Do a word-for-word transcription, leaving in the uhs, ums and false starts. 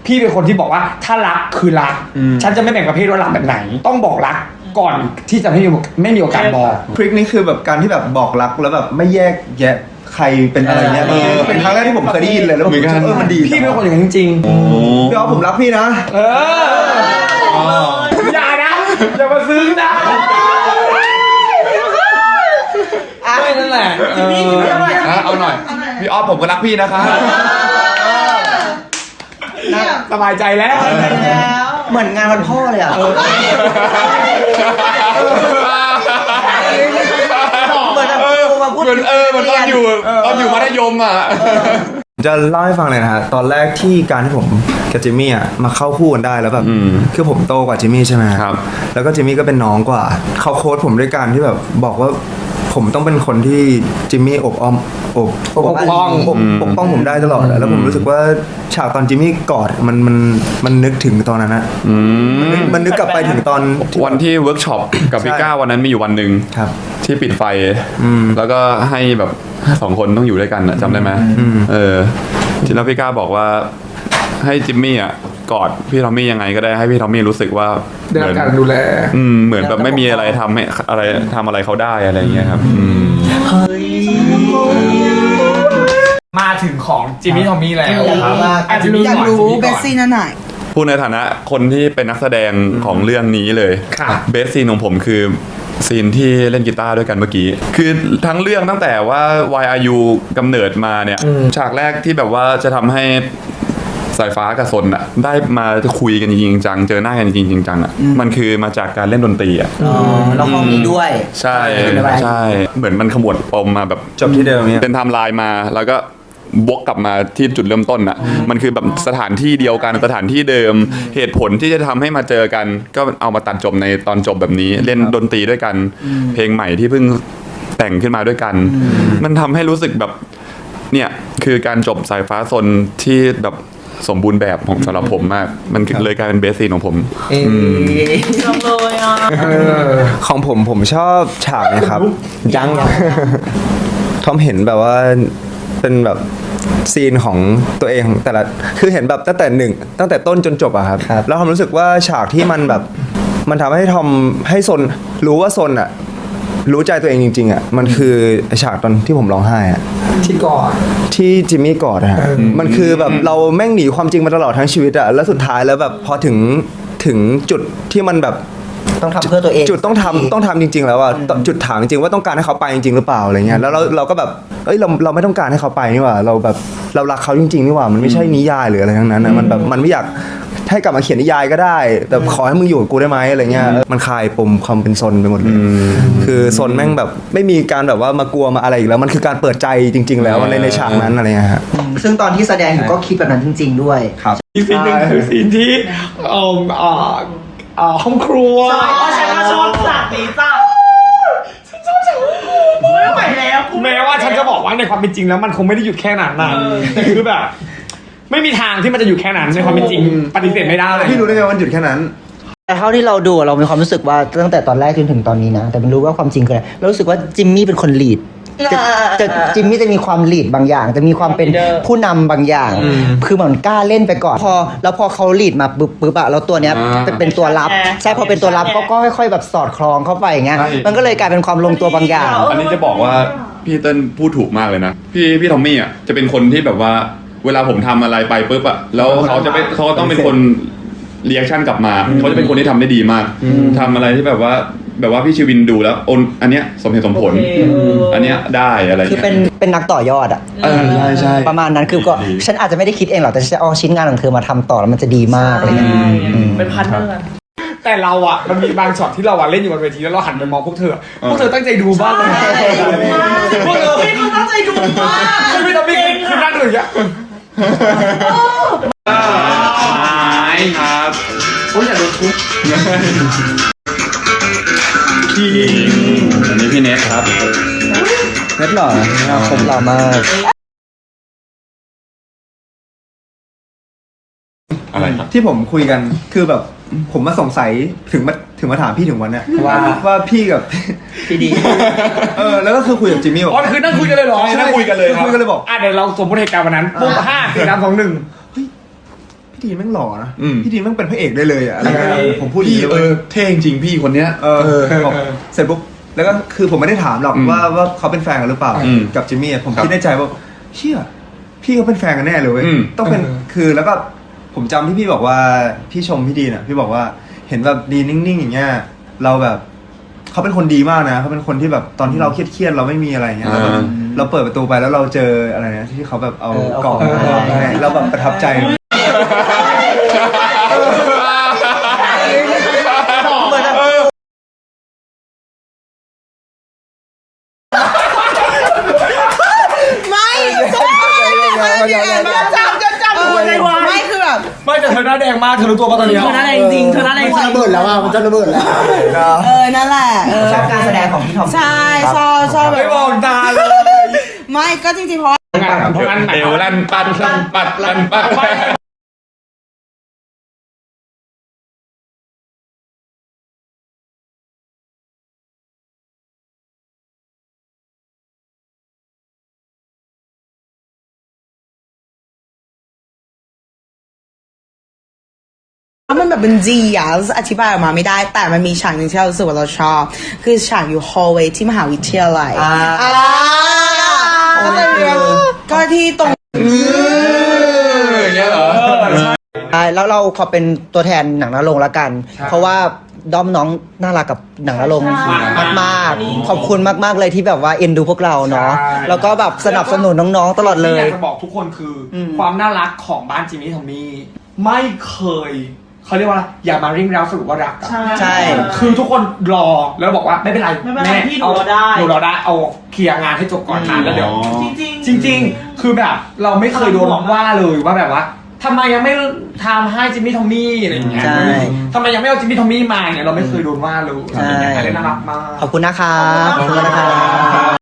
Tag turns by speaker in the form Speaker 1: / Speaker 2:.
Speaker 1: พี่เป็นคนที่บอกว่าถ้ารักคือรักฉันจะไม่แบ่งประเภทว่ารักแบบไหนต้องบอกรักก่อนที่จะไม่มีไม่มีโอกาสบอก
Speaker 2: ทริคนี้คือแบบการที่แบบบอกรักแล้วแบบไม่แยกแยะใครเป็นอะไรเงี้ยเออเป็นครั้งแรกที่ผมเคยได้ยินเลยแล้วผมรู้สึกเออมันดี
Speaker 1: พี่เป็นคนอย่างนั้นจริง
Speaker 2: ๆพี่อ๋อผมรักพี่นะ
Speaker 1: เอออย่านะอย่ามาซึ้งนะไม่นั่นแหละ
Speaker 3: เอาหน่อยพี่อ๊อฟผมก็รักพี่นะคะ
Speaker 1: สบายใจแล้ว
Speaker 4: เหมือนงานวันพ่อเลยอ่ะเหมือนมาพูด
Speaker 3: เออมันตอนอยู่ตอนอยู่มัธยมอ่ะ
Speaker 2: จะเล่าให้ฟังเลยนะฮะตอนแรกที่การที่ผมกับจิมมี่อ่ะมาเข้าคู่กันได้แล้วแบบคือผมโตกว่าจิมมี่ใช่ไหมครับแล้วก็จิมมี่ก็เป็นน้องกว่าเขาโค้ชผมด้วยการที่แบบบอกว่าผมต้องเป็นคนที่จิมมี่อบอ้อมอบ
Speaker 1: ปกป้อง
Speaker 2: ปกป้องผมได้ตลอดแล้วผมรู้สึกว่าฉากตอนจิมมี่กอดมันมันมันนึกถึงตอนนั้นนะมันนึกกลับไปถึงตอน
Speaker 3: วันที่เวิร์กช็อปกับพี่ก้าวันนั้นมีอยู่วันหนึ่งที่ปิดไฟแล้วก็ให้แบบสองคนต้องอยู่ด้วยกันจำได้ไหมเออที่แล้วพี่ก้าบอกว่าให้จิมมี่อ่ะกอดพี่ทอมมี่ยังไงก็ได้ให้พี่ทอมมี่รู้สึกว่า
Speaker 1: ได้รับการดูแล
Speaker 3: อืมเหมือนแบบไม่มีอะไรทำให้อะไรทำอะไรเขาได้อะไรอย่างเงี้ยครับ
Speaker 4: เฮ้ย
Speaker 1: มาถึงของจิมมี่ทอมมี่แล้วครับ
Speaker 4: อาจจะอยากรู้เบสซี่นั่นหน่อย
Speaker 3: พูดในฐานะคนที่เป็นนักแสดงของเรื่องนี้เลยเบสซีนของผมคือซีนที่เล่นกีตาร์ด้วยกันเมื่อกี้คือทั้งเรื่องตั้งแต่ว่า วาย อาร์ ยู กำเนิดมาเนี่ยฉากแรกที่แบบว่าจะทำให้สายฟ้ากับซนอ่ะได้มาคุยกันจริงจังเจอหน้ากันจริงจังอ่ะมันคือมาจากการเล่นดนตรีอ่ะ
Speaker 4: อ๋อแล้วห้องนี้ด้วย
Speaker 3: ใช่ใช่เหมือนมันขมวดปมมาแบบ
Speaker 2: จบที่เดิมเนี่ย
Speaker 3: เป็นไทม์ไลน์มาแล้วก็วกกลับมาที่จุดเริ่มต้นอ่ะมันคือแบบสถานที่เดียวกันสถานที่เดิมเหตุผลที่จะทำให้มาเจอกันก็เอามาตัดจบในตอนจบแบบนี้เล่นดนตรีด้วยกันเพลงใหม่ที่เพิ่งแต่งขึ้นมาด้วยกันมันทำให้รู้สึกแบบเนี่ยคือการจบสายฟ้าซนที่แบบสมบูรณ์แบบของสำหรับผมมากมันเลยกลายเป็นเบสซีนของผม
Speaker 4: ชอบเลยอ่ะ
Speaker 2: ของผมผมชอบฉากนี้ครับยังทอมเห็นแบบว่าเป็นแบบซีนของตัวเองของแต่ละคือเห็นแบบตั้งแต่หนึ่งตั้งแต่ต้นจนจบอะครับแล้วทอมรู้สึกว่าฉากที่มันแบบมันทำให้ทอมให้ซนรู้ว่าซนอะรู้ใจตัวเองจริงๆอ่ะมันคือฉากตอนที่ผมร้องไห้อ่ะ
Speaker 1: ที่กอด
Speaker 2: ที่จิมมี่กอดอ่ะมันคือแบบเราแม่งหนีความจริงมาตลอดทั้งชีวิตอ่ะแล้วสุดท้ายแล้วแบบพอถึงถึงจุดที่มันแบบ
Speaker 4: ต้องทำเพื่อตัวเอง
Speaker 2: จุดต้องทำต้องทำจริงๆแล้วอ่ะจุดถามจริงๆว่าต้องการให้เขาไปจริงๆหรือเปล่าอะไรเงี้ยแล้วเราเราก็แบบเอ้ยเราเราไม่ต้องการให้เขาไปนี่หว่าเราแบบเรารักเขาจริงๆนี่หว่ามันไม่ใช่นิยายหรืออะไรทั้งนั้นนะมันแบบมันไม่อยากให้กลับมาเขียนนิยายก็ได้แต่ขอให้มึงอยู่กับกูได้ไหมอะไรเงี้ยมันคลายปมความเป็นซนไปหมดเลยคือซนแม่งแบบไม่มีการแบบว่ามากลัวมาอะไรอีกแล้วมันคือการเปิดใจจริงๆแล้วในในฉากนั้นอะไรเงี้ยฮะ
Speaker 4: ซึ่งตอนที่แสดงอยู่ก็คิดแบบนั้นจริงๆด้วย
Speaker 2: ครับ
Speaker 1: อีกซีนหนึ่งคือซีนที่เอ่ออ่าอ่าห้องครัว
Speaker 5: ใช่เพราะฉันก็ชอบฉากนี้จ้ะฉันชอบฉากไม่ไหวแล้ว
Speaker 1: แม้ว่าฉันจะบอกว่าในความเป็นจริงแล้วมันคงไม่ได้หยุดแค่นั้นนะแต่คือแบบไม่มีทางที่มันจะหยุดแค่นั้นในความเป็นจริงปฏิเสธไม่ได้เลย
Speaker 2: พี่รู้ได้ไงว่ามันหยุดแค่นั้น
Speaker 4: แต่เท่าที่เราดูเรามีความรู้สึกว่าตั้งแต่ตอนแรกจนถึงตอนนี้นะแต่ไม่รู้ว่าความจริงคืออะไรเรารู้สึกว่าจิมมี่เป็นคนลีดจะจะจิมมี่จะมีความลีดบางอย่างจะมีความเป็นผู้นำบางอย่างคือเหมือนกล้าเล่นไปก่อนพอแล้วพอเขาลีดมาปุ๊บปุ๊บอะแล้วตัวเนี้ยเป็นตัวรับใช่พอเป็นตัวรับก็ค่อยๆแบบสอดคล้องเข้าไปอย่างเงี้ยมันก็เลยกลายเป็นความลงตัวบางอย่าง
Speaker 3: อันนี้จะบอกว่าพี่เติ้ลพูดถูกมากเลยนะพี่พี่ทอมมี่อะจะเป็นคนที่แบบว่าเวลาผมทำอะไรไปปุ๊บอะแล้วเขาจะไปเขาต้องเป็นคนเรีแอคชั่นกลับมาเขาจะเป็นคนที่ทำได้ดีมากทำอะไรที่แบบว่าแบบว่าพี่ชีวินดูแล้วอันเนี้ยสมเหตุสมผลอันเนี้ยได้อะไร
Speaker 4: คือเป็นเป็นนักต่อยอดอ่ะ
Speaker 3: ใช่ใช่
Speaker 4: ประมาณนั้นคือก็ฉันอาจจะไม่ได้คิดเองหรอกแต่ฉันจะเอาชิ้นงานของเธอมาทำต่อแล้วมันจะดีมากอะไรเงี้ย
Speaker 5: เป็นพันเนอร์
Speaker 1: แต่เราอะมันมีบางช็อตที่เราอะเล่นอยู่บนเวทีแล้วเราหันไปมองพวกเธอพวกเธอตั้งใจดูบ้างเลย
Speaker 5: พวกเธอไม่ตั้งใจดูมาก
Speaker 1: ไม่ต้องมีคือนั่งเลยอะ
Speaker 3: ครับ
Speaker 1: โอ้ยอย่าโดนทุบ
Speaker 3: คิงอันนี้พี่เนทครับ
Speaker 2: เนทหล่อนะคมหล่อมาก
Speaker 3: อะไรครับ
Speaker 2: ที่ผมคุยกันคือแบบผมมาสงสัยถึงมาถึงมาถามพี่ถึงวันเนี้ยว่าว่าพี่กับ
Speaker 4: พี่ดี
Speaker 2: เออแล้วก็คือคุยกับจิมมี่บอก
Speaker 1: อ๋อคือนั่งคุยกันเลยเหรอ
Speaker 3: นั่งคุยกันเลยครับ
Speaker 2: คุยกันเลยบอก
Speaker 1: อ่ะเดี๋ยวเราสมมติเหตุการณ์วันนั้นปุ๊บห้าสี่สามสองหนึ่งพ
Speaker 2: พี่ดีนแม่งหล่อนะ
Speaker 3: อืม
Speaker 2: พี่ดีนแม่งเป็นพระเอกได้เลยอะอะไรเงี้ย
Speaker 1: เออ
Speaker 2: ผมพูด
Speaker 3: พี่
Speaker 2: ย่างนี้
Speaker 3: เอ
Speaker 2: เลย
Speaker 3: อเท่จริงพี่คนเนี้ย
Speaker 2: เออบอกเสร็จปุ๊บแล้วก็คือผมไม่ได้ถามหรอก
Speaker 3: อืม
Speaker 2: ว่าว่าเขาเป็นแฟนกันหรือเปล่า
Speaker 3: อืม
Speaker 2: กับจิมมี่อะผม
Speaker 3: ครับ
Speaker 2: คิดในใจว่าเชี่ยพี่เขาเป็นแฟนกันแน่เลยเว้ย
Speaker 3: อืม
Speaker 2: ต้องเป็น
Speaker 1: เออ
Speaker 2: คือแล้วก็ผมจำที่พี่บอกว่าพี่ชมพี่ดีนอ่ะพี่บอกว่าเห็นแบบดีนิ่งๆอย่างเงี้ยเราแบบเขาเป็นคนดีมากนะเขาเป็นคนที่แบบตอนที่เราเครียดๆเราไม่มีอะไรอย่างเงี้ยเราแบบ
Speaker 3: อ่า
Speaker 2: เราเปิดประตูไปแล้วเราเจออะไรนะที่เขาแบบเอา
Speaker 4: เออเอา
Speaker 2: กล่อง
Speaker 4: ของ
Speaker 2: มา
Speaker 4: มา
Speaker 2: ให้เราแบบประทับใจ
Speaker 5: ไม่จะจำจะจำหัวใจวายไม่คือแบบ
Speaker 1: ไม่แต่เธอหน้าแดงมากเธอรู้ตัวป่ะตอนเนี้ย
Speaker 5: เธอหน้าแดงจริงเธอหน้าแดงจริง
Speaker 4: ระเบิดแล้วอ่ะมันจะระเบิดแล้ว
Speaker 5: เออนั่นแหละเออ
Speaker 4: ชอบการแสดงของพี่ทอม
Speaker 5: ใช่ชอบชอบแบ
Speaker 1: ไม่
Speaker 5: บ
Speaker 1: บอกตาเลย
Speaker 5: ไม่ก็จริงๆเพราะ
Speaker 1: งานเพราะงั้นไหน
Speaker 3: เอวลั่นปัดลั่นปัดลั่นปัด
Speaker 5: แล้วมันแบบเป็นจีอ่ะอธิบายออกมาไม่ได้แต่มันมีฉากหนึ่งที่เรารู้สึกว่าเราชอบ คือฉากอยู่ฮอลเวย์ที่มหาวิทยาลัย
Speaker 4: อ่า
Speaker 5: อ่าก็เลยแบบก็ที่ตรง
Speaker 3: อย่างเงี้ยเหรอ
Speaker 4: ใช่แล้วเราขอเป็นตัวแทนหนังนรงค์ละกัน เพราะว่าด้อมน้องน่ารักกับหนังนรงค์มากๆขอบคุณมากๆเลยที่แบบว่าเอ็นดูพวกเราเนาะแล้วก็แบบสนับสนุนน้องๆตลอดเล
Speaker 1: ที่อย ยากจะบอกทุกคนคืออความน่ารักของบ้านจิมมี่ทอมมี่ไม่เคยเขาเรียกว่าอะไรอย่ามาริ่งเราสรุปว่ารักอะ
Speaker 4: ใช่
Speaker 1: คือทุกคนรอแล้วบอกว่าไม่เป็นไร
Speaker 5: ไม่เป็นไร
Speaker 1: แม่
Speaker 5: พี่หนูรอได้
Speaker 1: หนูรอได้เอาเคลียร์งานให้จบก่อนนะแล้วเดี๋ยว
Speaker 5: จริง
Speaker 1: จริง ๆ คือแบบเราไม่เคยโดนว่าเลยว่าแบบว่าทำไมยังไม่ทำให้จิมมี่ทอมมี่อะไรอย่างเงี้ย
Speaker 4: ใช่
Speaker 1: ทำไมยังไม่เอาจิมมี่ทอมมี่มาเนี่ยเราไม่เคยโดนว่าเลย
Speaker 4: ใช่
Speaker 1: อะไรน่ารักมาก
Speaker 4: ขอบคุณนะครับขอบคุณนะครับ